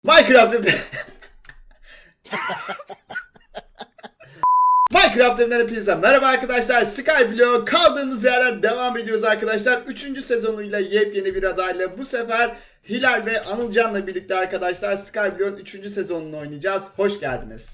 Minecraft evde... Minecraft evinden hepinize merhaba arkadaşlar. Skyblock kaldığımız yerden devam ediyoruz arkadaşlar. 3. sezonuyla yepyeni bir adayla bu sefer Hilal ve Anılcan'la birlikte arkadaşlar Skyblock'un 3. sezonunu oynayacağız. Hoş geldiniz.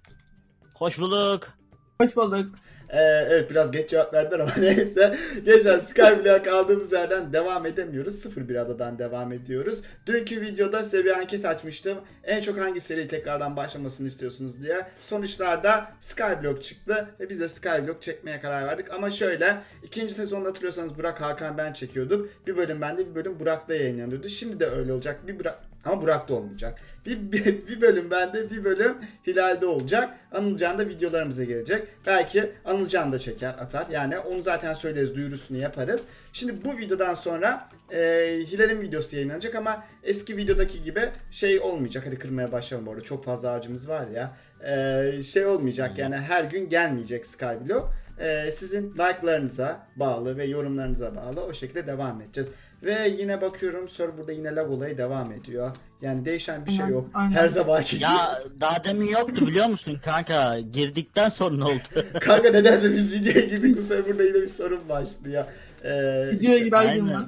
Hoş bulduk. Hoş bulduk. Evet biraz geç cevap verdiler ama neyse. Gençler Skyblock'a kaldığımız yerden devam edemiyoruz. 0-1 adadan devam ediyoruz. Dünkü videoda size bir anket açmıştım. En çok hangi seri tekrardan başlamasını istiyorsunuz diye. Sonuçlarda Skyblock çıktı ve biz de Skyblock çekmeye karar verdik. Ama şöyle 2. sezonda hatırlıyorsanız Burak, Hakan, ben çekiyorduk. Bir bölüm bende, bir bölüm Burak'ta yayınlanıyordu. Şimdi de öyle olacak. Ama Burak'ta olmayacak. Bir bölüm bende, bir bölüm Hilal'de olacak. Anılcan da videolarımıza gelecek. Belki Anılcan da çeker, atar. Yani onu zaten söyleriz, duyurusunu yaparız. Şimdi bu videodan sonra Hilal'in videosu yayınlanacak ama eski videodaki gibi şey olmayacak. Hadi kırmaya başlayalım bu arada. Çok fazla ağacımız var ya. Şey olmayacak yani her gün gelmeyecek Skyblock. Sizin like'larınıza bağlı ve yorumlarınıza bağlı o şekilde devam edeceğiz. Ve yine bakıyorum serverda yine lag olayı devam ediyor. Yani değişen bir şey yok. Aynen. Her zamanki gibi. Ya daha demin yoktu biliyor musun kanka? Girdikten sonra oldu. Kanka nedense biz videoya girdik bu serverda yine bir sorun başlıyor. Videoya İşte... girer aynen. girmez.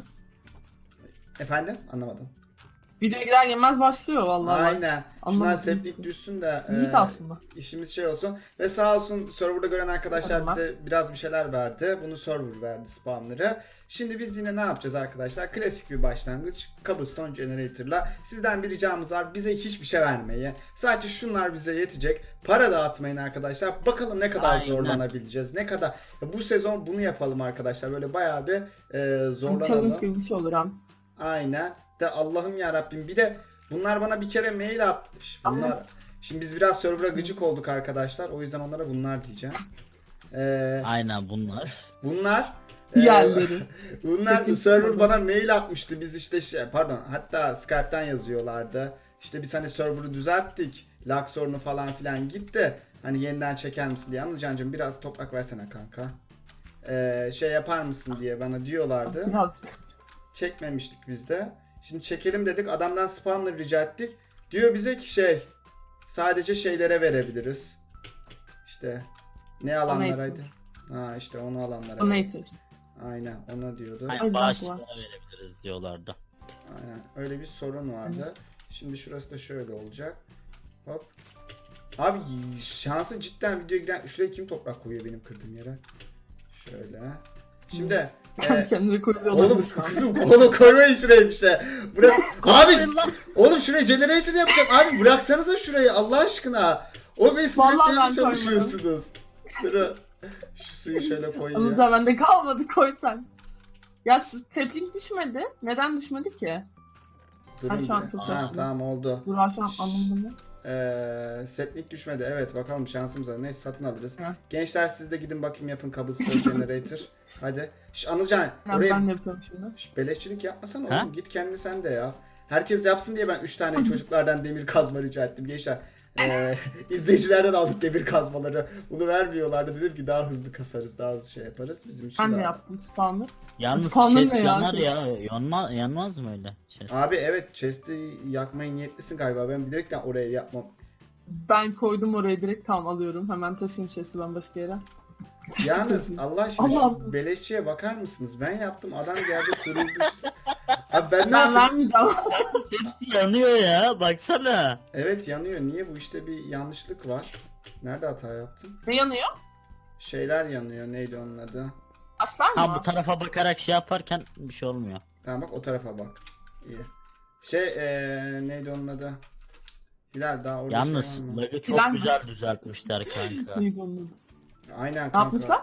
Efendim? Anlamadım. Videoya girer girmez başlıyor vallahi. Aynen. Şundan Anlamadım. seplik düşsün de İyi aslında. işimiz şey olsun. Ve sağ olsun serverda gören arkadaşlar Tamam. bize biraz bir şeyler verdi. Bunu server verdi spamları. Şimdi biz yine ne yapacağız arkadaşlar? Klasik bir başlangıç. Cobblestone Generator'la. Sizden bir ricamız var. Bize hiçbir şey vermeyi. Sadece şunlar bize yetecek. Para dağıtmayın arkadaşlar. Bakalım ne kadar Aynen. zorlanabileceğiz. Ne kadar. Ya bu sezon bunu yapalım arkadaşlar. Böyle bayağı bir zorlanalım. Challenge gibi bir şey olur hem. Aynen. De Allah'ım ya Rabbim. Bir de bunlar bana bir kere mail attı. Bunlar. Şimdi biz biraz server'a gıcık olduk arkadaşlar. O yüzden onlara bunlar diyeceğim. Aynen bunlar. Bunlar. Diğerleri. Bunlar Sekiz server tane. bana mail atmıştı. Biz işte pardon hatta Skype'tan yazıyorlardı. İşte biz hani server'ı düzelttik. Lag sorunu falan filan gitti. Hani yeniden çeker misin diye. Anılcancığım biraz toprak versene kanka. Şey yapar mısın diye bana diyorlardı. Birazcık. Çekmemiştik biz de. Şimdi çekelim dedik. Adamdan spawner rica ettik. Diyor bize ki sadece şeylere verebiliriz. İşte ne alanlaraydı? Ha işte onu alanlara. Donator. Aynen ona diyordu. Ay, Aynen bağışlara var. verebiliriz diyorlardı. Aynen öyle bir sorun vardı. Şimdi şurası da şöyle olacak. Hop. Abi şansa cidden videoya giren... Şuraya kim toprak koyuyor benim kırdığım yere? Şöyle. Şimdi... Kendini koyuyor Oğlum olabilir şu an. kızım oğlum koymayın şuraya işte. Bırak. Abi Koymayın lan. oğlum şuraya generator yapacağım. Abi bıraksanıza şurayı Allah aşkına. O beni Vallahi sinirlenmeye ben çalışıyorsunuz. Dur. Şu suyu şöyle koyayım. Anıza bende kalmadı koy sen. Ya siz teplik düşmedi. Neden düşmedi ki? Durun şu an bir. çok Ha yaşlı. tamam oldu. Dur şu an anlamadım. Seplik düşmedi. Evet bakalım şansımız var. Neyse satın alırız. Hı. Gençler siz de gidin bakayım yapın cobblestone generator. Hadi. Anılcan Ben oraya de yapıyorum şimdi. beleşçilik yapmasana Ha? oğlum. Git kendi sen de ya. Herkes yapsın diye ben 3 tane çocuklardan demir kazma rica ettim gençler. İzleyicilerden aldık demir kazmaları. Bunu vermiyorlardı. Dedim ki daha hızlı kasarız, daha hızlı şey yaparız. Bizim için Ben de daha... yaptım spawner. Yalnız Spawner chest ne ya? yanar ya. Yanmaz mı öyle? Chest. Abi evet chest'i yakmaya niyetlisin galiba. Ben bilerekten oraya yapmam. Ben koydum oraya direkt tam alıyorum. Hemen taşıyayım chest'i ben başka yere. Yalnız Allah aşkına Allah'ım. şu beleşçiye bakar mısınız? Ben yaptım adam geldi kuruldu. Abi ben ne Ben yapayım? vermeyeceğim. Hepsi yanıyor ya. Baksana. Evet yanıyor. Niye bu işte bir yanlışlık var? Nerede hata yaptım? Ne yanıyor? Şeyler yanıyor. Neydi onun adı? Açlar mı? Ha bu tarafa bakarak şey yaparken bir şey olmuyor. Tamam bak o tarafa bak. İyi. Neydi onun adı? Hilal daha orada Yalnız şey var mı? lag'ı çok Plan- güzel düzeltmişler kanka. İyi buldum. Aynen Ne kanka. yapmışlar?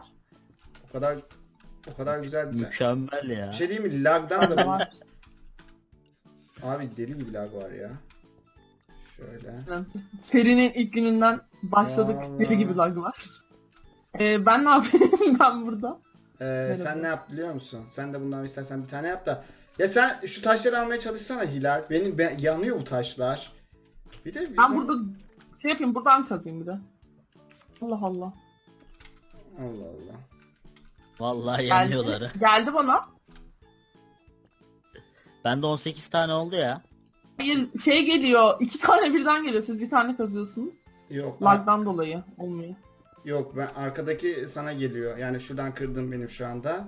O kadar güzel düzen. Mükemmel ya. Bir şey diyeyim mi? Lag'dan da Var. Abi deli gibi lag var ya. Şöyle. Serinin ilk gününden başladık. Vallahi. Deli gibi lag var. Ben ne yapayım ben burada? Sen ne yap biliyor musun? Sen de bundan istersen bir tane yap da. Ya sen şu taşları almaya çalışsana Hilal. Yanıyor bu taşlar. Bir de Ben burada şey yapayım buradan kazayım bir de. Allah Allah. Allah Allah. Vallahi yanıyorlar. Geldi bana. Bende 18 tane oldu ya. Bir şey geliyor. 2 tane birden geliyor. Siz bir tane kazıyorsunuz. Yok. Lag'dan dolayı olmuyor. Yok, ben arkadaki sana geliyor. Yani şuradan kırdım benim şu anda.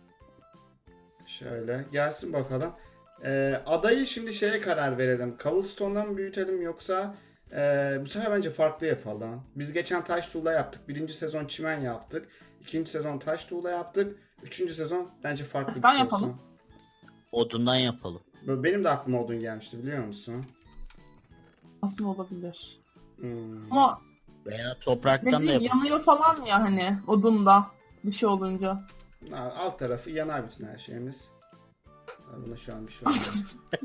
Şöyle gelsin bakalım. Adayı şimdi şeye karar verelim. Cobblestone'dan mı büyütelim yoksa bu sefer bence farklı yapalım. Biz geçen taş tuğla yaptık. Birinci sezon çimen yaptık. İkinci sezon taş tuğla yaptık. Üçüncü sezon bence farklı bir Taştan şey yapalım. olsun. Odundan yapalım. Benim de aklıma odun gelmişti, biliyor musun? Aslında olabilir. Hmm. Ama Veya ne topraktan da bileyim yapalım. yanıyor falan ya hani odunda bir şey olunca. Alt tarafı yanar bütün her şeyimiz. Buna şu an bir şey olmuyor.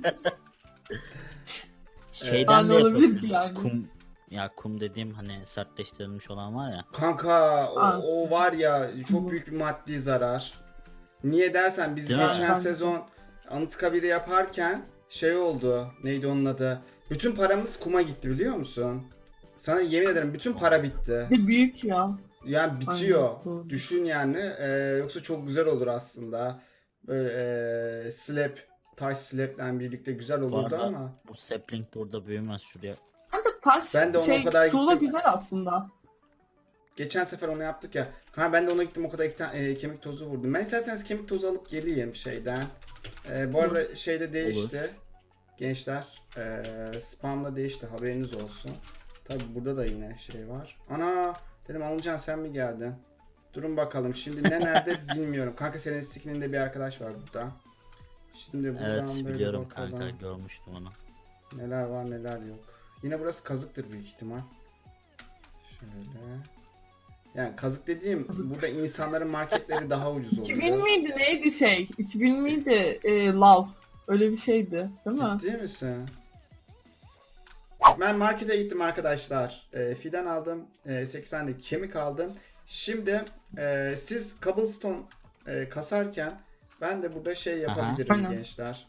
Şeyden Yani de olabilir ki yapabiliriz. yani. Kum dediğim hani sertleştirilmiş olan var ya. Kanka Aa. o var ya, çok büyük bir maddi zarar. Niye dersen biz Değil mi? geçen Ben- sezon Anıtkabir'i yaparken şey oldu. Neydi onun adı? Bütün paramız kuma gitti, biliyor musun? Sana yemin ederim bütün para bitti. Bir büyük ya. Yani bitiyor. Aynen, doğru. Düşün yani. Yoksa çok güzel olur aslında. Böyle taş slab'le birlikte güzel Bu olurdu arada ama. bu sapling de orada büyümez şuraya. Bence taş Ben de ona şey o kadar tuğla gittim. güzel aslında. Geçen sefer onu yaptık ya. Kanka ben de ona gittim, o kadar 2 tane kemik tozu vurdum. Ben isterseniz kemik tozu alıp geleyim şeyden. Bu arada şeyde değişti. Gençler. Spam'da değişti, haberiniz olsun. Tabi burada da yine şey var. Ana dedim, Anılcan sen mi geldin? Durun bakalım şimdi ne nerede bilmiyorum. Kanka senin skininde bir arkadaş var burada. Şimdi buradan Evet böyle biliyorum bakalım. kanka, görmüştüm onu. Neler var neler yok. Yine burası kazıktır büyük ihtimal. Şöyle. Yani kazık dediğim, burada insanların marketleri daha ucuz oluyor. 2000 miydi neydi şey? 2000 miydi Love? Öyle bir şeydi değil mi? Ciddi misin? Ben markete gittim arkadaşlar. Fidan aldım. 8 tane de kemik aldım. Şimdi siz cobblestone kasarken ben de burada şey yapabilirim Aynen. gençler.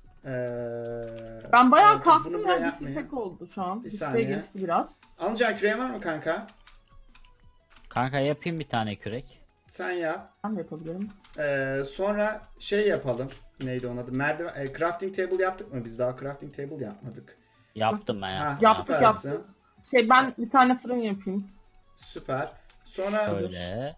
Ben bayağı bunu kastım buraya ya bir yapmayın. sisek oldu şu an. Bir Siseye saniye. geçti biraz. Anılcan küreğin var mı kanka? Kanka yapayım bir tane kürek. Sen yap. Ben de yapabilirim. Sonra şey yapalım. Neydi onun adı? Merdiven, crafting table yaptık mı? Biz daha crafting table yapmadık. Yaptım ben Ha, yaptım. Yaptık, süpersin. yaptık. Şey ben bir tane fırın yapayım. Süper. Sonra Şöyle.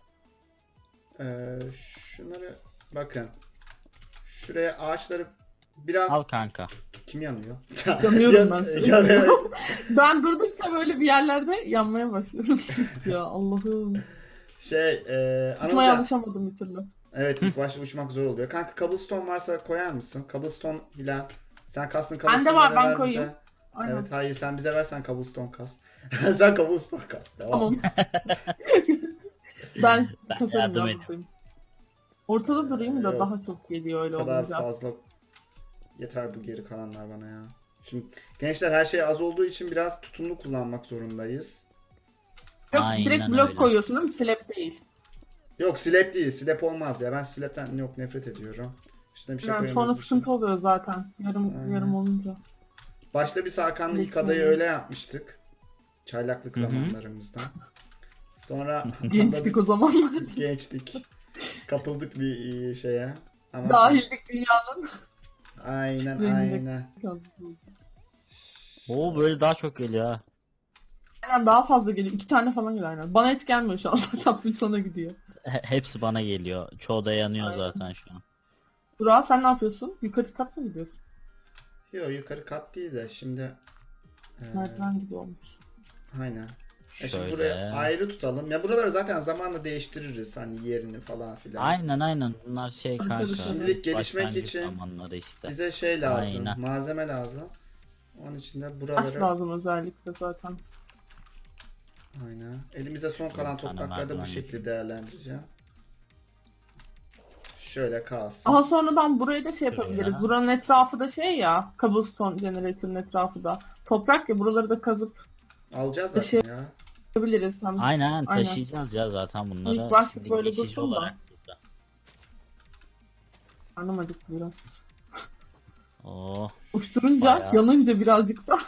şunları bakın. Şuraya ağaçları biraz Al kanka. kim yanıyor? Yanıyorum ben. Yanıyor. Ben durdukça böyle bir yerlerde yanmaya başlıyorum. Ya Allah'ım. Tutmaya Anılcan. alışamadım bir türlü. Evet, ilk başta uçmak zor oluyor. Kanka cobblestone varsa koyar mısın? Cobblestone Hilal. Sen kastın Bende cobblestone'ları var, ben ver koyayım. bize. Aynen. Evet, hayır sen bize versen cobblestone kas. Sen cobblestone kas. Devam. Tamam. ben Ben kasarım yardım ya edeyim. buradayım. Ortada durayım da Yok. daha çok geliyor öyle O kadar olunca. fazla yeter bu geri kalanlar bana ya. Şimdi gençler her şey az olduğu için biraz tutumlu kullanmak zorundayız. Yok Aynen direkt blok öyle. koyuyorsun değil mi? Slab değil. Yok slap değil. Slap olmaz ya. Ben slap'ten yok nefret ediyorum. Üstüne bir şey Yani koyamıyoruz. sonra bir şey. sıkıntı oluyor zaten. Yarım Aynen. yarım olunca. Başta biz Hakan'la ilk Lütfen. adayı öyle yapmıştık. Çaylaklık Hı hı. zamanlarımızda. Sonra Gençtik o zamanlar. gençtik. Kapıldık bir şeye. Ama Dahildik dünyanın. aynen Rengi. aynen. Oo böyle daha çok geliyor ha. Aynen daha fazla geliyor. 2 tane falan geliyor aynen. Bana hiç gelmiyor şu an. Zaten full sana gidiyor. Hepsi bana geliyor. Çoğu da yanıyor Aynen. zaten şu an. Burak sen ne yapıyorsun? Yukarı kat mı gidiyorsun? Yok yukarı kat değil de şimdi Merdiven gibi olmuş. aynen. Şimdi Şöyle. buraya ayrı tutalım. Ya buraları zaten zamanla değiştiririz hani yerini falan filan. Aynen bunlar şey kanka. Şimdilik gelişmek başlangıç için zamanları işte. Bize şey lazım. Aynen. Malzeme lazım. Onun için de Taş buraları lazım özellikle zaten. aynen. Elimizde son kalan Bir tane toprakları da bu merdiven şekilde değerlendireceğim. Şöyle kalsın. Aha sonradan burayı da şey yapabiliriz. Şuraya. Buranın etrafı da şey ya. Cobblestone generator'ın etrafı da. Toprak ya buraları da kazıp Alacağız Bir şey- zaten ya. yapabiliriz. Hem Aynen Aynen. taşıyacağız ya zaten bunları. İlk başta Şimdi böyle geçici dursun da. olarak burada. karnım acıktı biraz. Oo. Uçturunca Bayağı. yanınca birazcık da.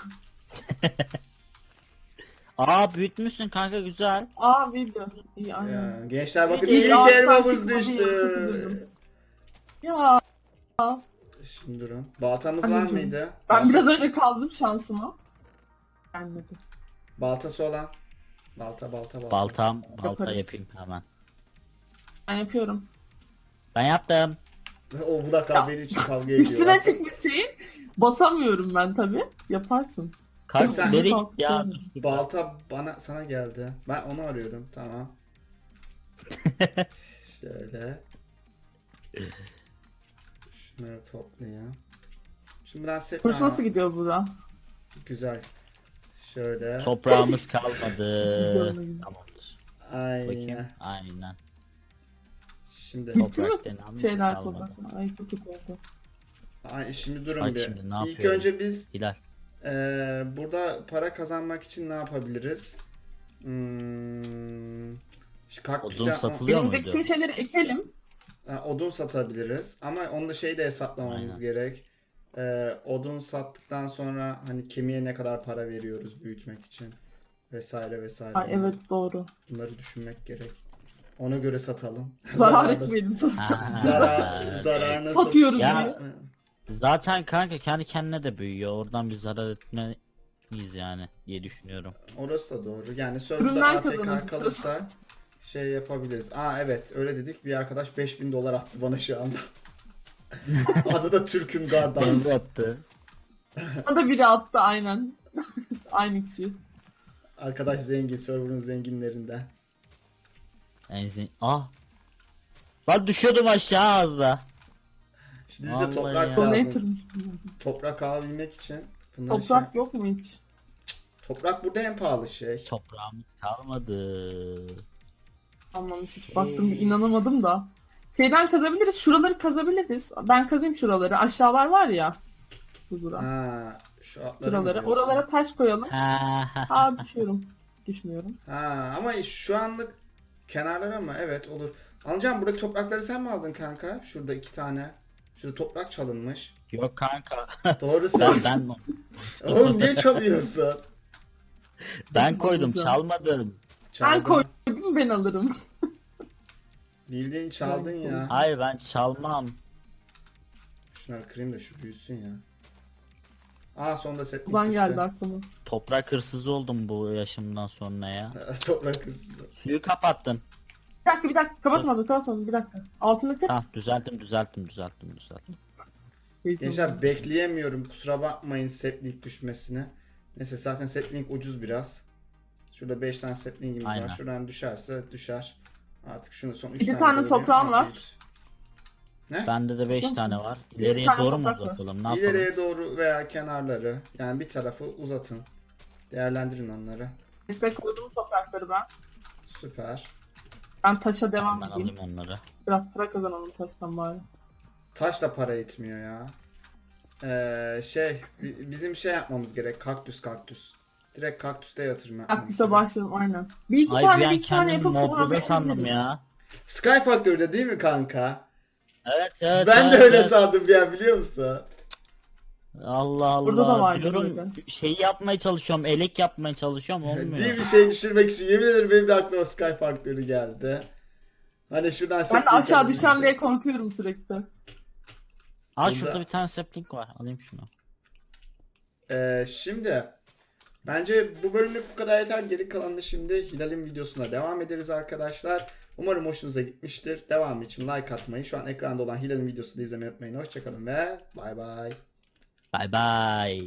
Aa büyütmüşsün kanka güzel. Aa video. İyi aynen. Ya, gençler bakın İyi, ilk ağaçtan elmamız çıkmadı, düştü. çok üzüldüm. Ya Şimdi durun. Baltamız var Anneciğim, mıydı? Ben biraz önce kaldım şansıma. Gelmedi. Baltası olan. Balta. Balta Yaparız. yapayım hemen. Ben yapıyorum. Ben yaptım. O bu da benim için kavga ediyor. Üstüne çıkmış şeyin. Basamıyorum ben tabi. Yaparsın. Kanka Sen- nereye gitti ya? Balta sana geldi. Ben onu arıyordum. Tamam. Şöyle. Şunları toplayayım. Şimdi ben set... Burası Aa, nasıl gidiyor burada? güzel. Şöyle. Toprağımız kalmadı. Görmedim. Tamamdır. Aynen. Bakayım. Aynen. Şimdi Bitti mi? Toprak denen Şeyler kalmadı. toprak. Ay çok kötü oldu. şimdi durun Bak bir. şimdi ne İlk yapıyorum? önce biz Hilal. burada para kazanmak için ne yapabiliriz? Kaktüs Odun yapma- satılıyor Elimizdeki muydu? tüm şeyleri ekelim. Odun satabiliriz ama onu da şeyi de hesaplamamız Aynen. gerek. Odun sattıktan sonra hani kemiğe ne kadar para veriyoruz büyütmek için vesaire vesaire. Ay evet doğru. Bunları düşünmek gerek. Ona göre satalım. Zarar nasıl- etmeyelim. Ha. Zarar nasıl? Satıyoruz Ya- yine. Zaten kanka kendi kendine de büyüyor. Oradan bir zarar etmeyiz yani diye düşünüyorum. Orası da doğru. Yani serverda Üründen AFK kazanırız. kalırsa şey yapabiliriz. Evet öyle dedik. Bir arkadaş 5000 dolar attı bana şu anda. Adı da Türk'üm kardeş. Emre attı. Bana da biri attı aynen. Aynı kişi. Arkadaş zengin. Server'ın zenginlerinden. Enzin. Ah. Ben düşüyordum aşağı az da. Şimdi bize Vallahi toprak ya. Donator. lazım. Toprak alabilmek için. Bunları Toprak yok mu hiç? Toprak burada en pahalı şey. Toprağımız kalmadı. Anlamış hiç baktım bir inanamadım da. Şeyden kazabiliriz. Şuraları kazabiliriz. Ben kazayım şuraları. Aşağılar var ya. Şurada. Şu atları mı Şuraları. diyorsun? Oralara taş koyalım. Ha, ha. Aa düşüyorum. Düşmüyorum. Ama şu anlık kenarlara mı? Evet olur. Alacağım buradaki toprakları sen mi aldın kanka? Şurada 2 tane. Şurada toprak çalınmış. Yok kanka. Doğru Ben, söylüyorsun. ben, Oğlum niye çalıyorsun? ben koydum çalmadım. Ben Çaldın. koydum ben alırım. Bildiğin çaldın ya. Hayır ben çalmam. Şunları kırayım da şu büyüsün ya. Sonunda set Uzan düştü. geldi aklıma. Toprak hırsızı oldum bu yaşımdan sonra ya. Toprak hırsızı. Suyu kapattın. Bir dakika kapatmadım bir dakika. Altını kır. Ha düzelttim. Gençler bekleyemiyorum. Kusura bakmayın setlink düşmesine. Neyse zaten setlink ucuz biraz. Şurada 5 tane setlinkimiz Aynen. var. Şuradan düşerse düşer. Artık şunu son 3 Bir tane tane koyayım. toprağım var. Bende de 5 tane var. İleriye tane doğru mu toprak var. uzatalım? Ne yapalım? İleriye doğru veya kenarları. Yani bir tarafı uzatın. Değerlendirin onları. Destek koydum toprakları ben. Süper. Ben taça devam Ben edeyim. alayım onları. Biraz para kazanalım taştan bari. Taş da para etmiyor ya. Bizim şey yapmamız gerek. Kaktüs. Direkt kaktüste yatırım yapmamız Kaktüse gerek. başlayalım aynen. Bir iki Ay tane bir an bir iki tane kendimi yapıp sonra Modrube sandım yapabiliriz. ya. Sky Factory'de değil mi kanka? Evet. Ben de öyle evet. sandım ya biliyor musun? Allah Allah. Burada da var Diyorum böyle. şeyi yapmaya çalışıyorum. Elek yapmaya çalışıyorum. Değil Olmuyor. bir şey düşürmek için. Yemin ederim benim de aklıma Sky Factory geldi. Hani şuradan Ben de setlik aşağı alayım düşeceğim diyeceğim. diye korkuyorum sürekli. Aa Burada- şurada bir tane sapling var. Alayım şunu. Şimdi bence bu bölümlük bu kadar yeter. Geri kalanını şimdi Hilal'in videosuna devam ederiz arkadaşlar. Umarım hoşunuza gitmiştir. Devamı için like atmayı, şu an ekranda olan Hilal'in videosunu da izlemeyi unutmayın. Hoşçakalın ve bay bay. Bye bye.